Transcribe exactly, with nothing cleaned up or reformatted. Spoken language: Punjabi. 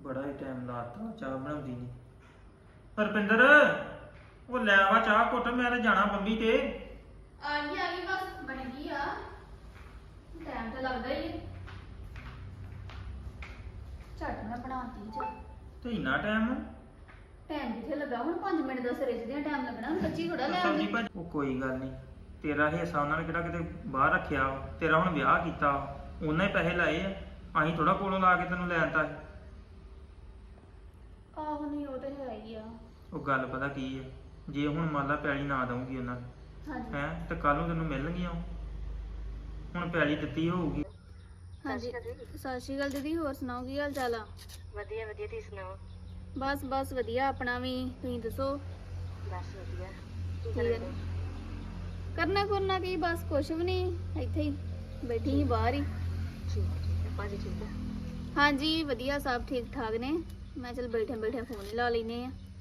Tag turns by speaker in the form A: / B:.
A: ਬੜਾ ਹੀ ਟਾਈਮ ਲਾਤਾ ਚਾਹ ਬਣਾਉਂਦੀ ਨਹੀਂ। ਹਰਪਿੰਦਰ ਉਹ ਲੈ ਆਵਾ ਚਾਹ ਘੁੱਟ, ਮੈਂ ਤੇ ਜਾਣਾ ਬੰਬੀ ਤੇ।
B: ਆ ਗਈ ਆ ਗਈ ਬਸ ਬਣ ਗਈ ਆ। ਟਾਈਮ ਤਾਂ ਲੱਗਦਾ ਹੀ ਹੈ। ਝੱਟ ਮੈਂ ਬਣਾਤੀ ਜਾ।
A: ਤੇ ਇੰਨਾ ਟਾਈਮ
B: ਟਾਈਮ ਕਿੱਥੇ ਲੱਗਾ ਹੁਣ ਪੰਜ ਮਿੰਟ ਦਾ ਸਿਰੇ ਦੇ ਟਾਈਮ ਲੱਗਣਾ ਹੁਣ ਕੱਚੀ ਥੋੜਾ ਲੈ
A: ਸਬਜ਼ੀ
B: ਆਉਂਦੀ।
A: ਭਾਜੀ ਉਹ ਕੋਈ ਗੱਲ ਨਹੀਂ, ਤੇਰਾ ਹਿੱਸਾ ਉਹਨਾਂ ਨੇ ਕਿਹੜਾ ਕਿਤੇ ਬਾਹਰ ਰੱਖਿਆ ਵਾ। ਤੇਰਾ ਹੁਣ ਵਿਆਹ ਕੀਤਾ, ਉਹਨਾਂ ਹੀ ਪੈਸੇ ਲਾਏ ਆ, ਅਸੀਂ ਥੋੜਾ ਕੋਲੋਂ ਲਾ ਕੇ ਤੈਨੂੰ ਲੈਣ ਤਾ।
B: ਆਹੋ ਨਹੀਂ ਉਹ ਤੇ ਹੈ ਹੀ ਆ।
A: ਉਹ ਗੱਲ ਪਤਾ ਕੀ ਹੈ, ਜੇ ਹੁਣ ਮੰਨ ਲਾ ਪੈਲੀ ਨਾ ਦਊਂਗੀ ਉਹਨਾਂ ਨੇ
B: ਹਾਂਜੀ
A: ਹੈ ਤੇ ਕੱਲ ਨੂੰ ਤੈਨੂੰ ਮਿਲਣਗੀਆਂ ਉਹ। ਹੁਣ ਪੈਲੀ ਦਿੱਤੀ ਹੋਊਗੀ।
B: ਹਾਂਜੀ ਸਤਿ ਸ਼੍ਰੀ ਅਕਾਲ ਦੀਦੀ, ਹੋਰ ਸੁਣਾਓ ਕੀ ਹਾਲ ਚਾਲ ਆ?
C: ਵਧੀਆ ਵਧੀਆ, ਤੁਸੀਂ ਸੁਣਾਓ?
B: ਬਸ ਬਸ ਵਧੀਆ ਆਪਣਾ ਵੀ, ਤੁਸੀਂ ਦੱਸੋ?
C: ਬਸ ਵਧੀਆ। ਕੀ
B: ਠੀਕ
C: ਕਰਦੇ?
B: ਹੈ। ਕਰਨਾ ਕਰਨਾ ਕੀ, ਬਸ ਕੁਛ ਵੀ ਨਹੀਂ, ਇੱਥੇ ਹੀ ਬੈਠੀ ਸੀ ਬਾਹਰ ਹੀ।
C: ਠੀਕ ਹੈ ਠੀਕ ਹੈ। ਭਾਜੀ ਠੀਕ ਹੈ?
B: ਹਾਂਜੀ ਵਧੀਆ, ਸਭ ਠੀਕ ਠਾਕ ਨੇ। ਮੈਂ ਚਲ ਬੈਠੇ ਬੈਠੇ ਫੋਨ ਹੀ ਲਾ ਲੈਨੇ ਆ।